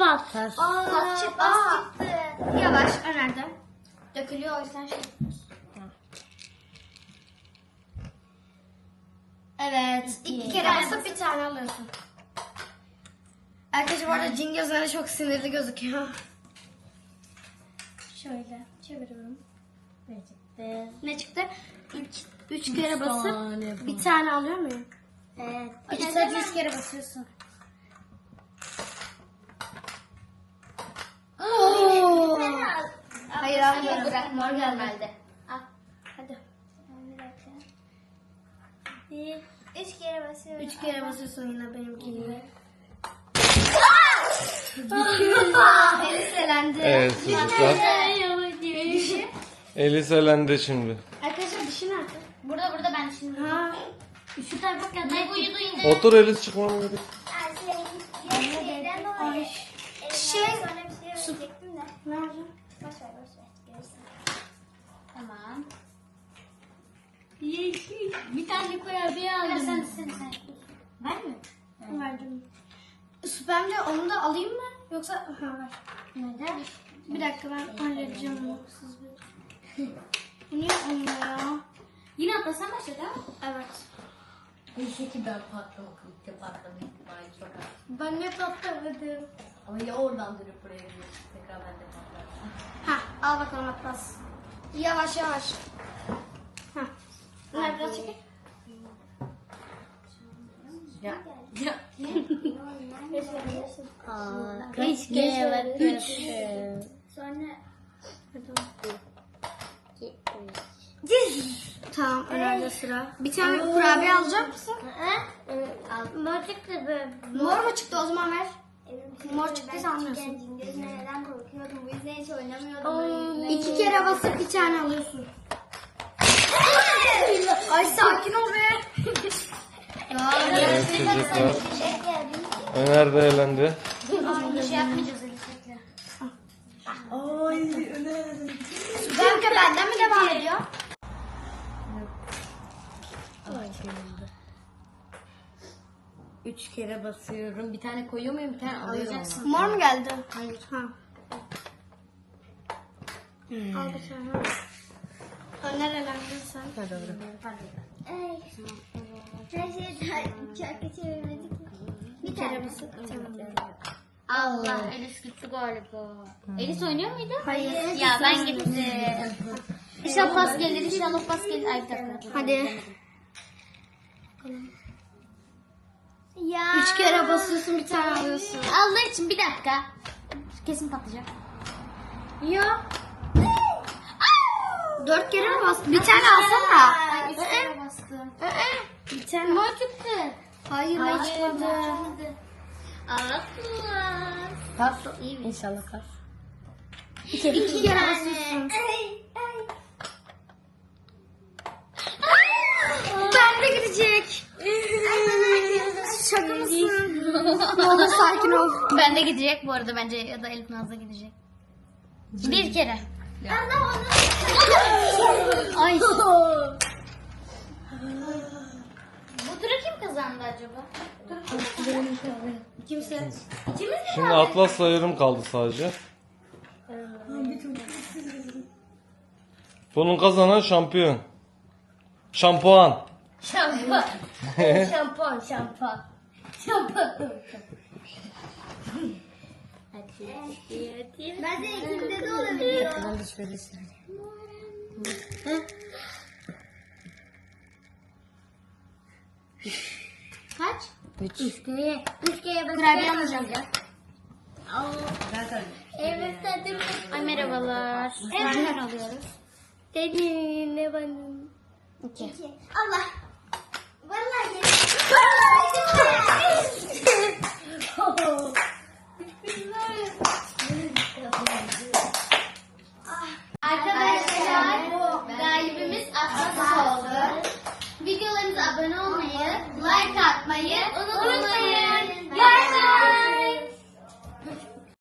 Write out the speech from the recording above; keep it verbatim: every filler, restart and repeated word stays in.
pas. Aa, pas çıktı. Pas çıktı. Yavaş önerdim. Dökülüyor o yüzden şey. Evet. İki kere basıp bir tane alıyorsun. Arkadaşlar bu arada cin gözleri çok sinirli gözüküyor. Şöyle çeviriyorum. Ne çıktı? Ne çıktı? Üç, üç kere basıp tane bir tane alıyor muyum? Evet. Üç sadece üç kere basıyorsun. Oo. Hayır hayır bırak mor gelmedi. Al hadi. Bir, üç kere basıyorum. Üç kere basıyorsun yine benimki gibi. Elis elendi. Evet çocuklar. Dişi. Elis elendi şimdi. Arkadaşlar dişi nerede? Burada burada ben şimdi. Ha. Şu tarafa kadar. Ne uyudu yine? Otur Elis çıkmam gerek. Ay. Şey. Su. Nerede? Boş ver boş ver. Görürsün. Tamam. Yeşil. Bir tane kurabiye aldım. Ya sen sen sen. Ben mi? Verdim. Süperce onu da alayım mı? Yoksa ha ver. Neden? Bir dakika ben halledeceğim onu. Siz bir. Bu niye olmuyor ya? Yine atlasan başladı ha? Evet. Neyse ki ben patlamak ilk patlamak ihtimali çok az. Ben ne patladım. Ama ya oradan dönüp buraya gidiyorsun. Tekrar ben de patlarım. Ha al bakalım Atlas. Yavaş yavaş. Ha. Bunlar biraz çekil. Ya. Ya. Üç kere bakıyorsun. Sonra. Tamam önerde sıra. Bir tane kurabiye alacak mısın? Mor çıktı böyle. Mor mu çıktı o zaman ver. Mor Ben çıktıysa anlıyorsun. küçükken cin gözüne neden korkuyordum? Bu yüzden hiç oynamıyordum. böyle. İki kere basıp bir tane alıyorsun. Ay sakin ol be. Evet çocuklar. Öner de elendi. Bir şey yapmayacağız Elis'le. Ay Öner. Süperke benden mi devam ediyor? Üç kere basıyorum. Bir tane koyuyor muyum? Bir tane alıyorum. Mor mu geldi? Hayır. Ha. Al bir tane. Öner elendin sen. Hadi doğru. Ay. Her şeyi çarkı çevirmedik. Bir kere basıp bir tane alıyorsun. Allah. Elis gitti galiba. Elis oynuyor muydu? Hayır. Ya ben gittim. İnşallah pas gelir. İnşallah pas gelir. Ay bir dakika. Hadi. Ya. Üç kere basıyorsun bir tane alıyorsun. Allah için bir dakika. Kesin patlayacak. Ya. Dört kere mi bastın? Bir tane alsana. Ay üç kere bastım. Bir tane. Mor çıktı. Hayır ne çıkmadı. Allah. Pas. İyi mi? İnşallah pas. İki, iki kere basıyorsun. Ay, ay. Ben de gidecek. Şaka mısın? Ne olur sakin ol. Ben de gidecek bu arada bence ya da Elif Naz'da gidecek. Bir kere. Allah onu. Ay. Bu turu kim kazandı acaba? Kimse. Şimdi Atlas'la yarım kaldı sadece. Bunun kazanan şampiyon. Şampuan. Şampuan. Şampuan, şampuan. Şampuan. Hadi, hadi, hadi. Ben de ikimde de olabiliyor. Ben de şöyle söyleyeyim. Kaç? Üç. Üç kere. Üç kere Kurabiye alacağım. Evet, hadi. Ay merhabalar. Neler alıyoruz? Dedim ne benim. İki. Allah. Vallahi yedim.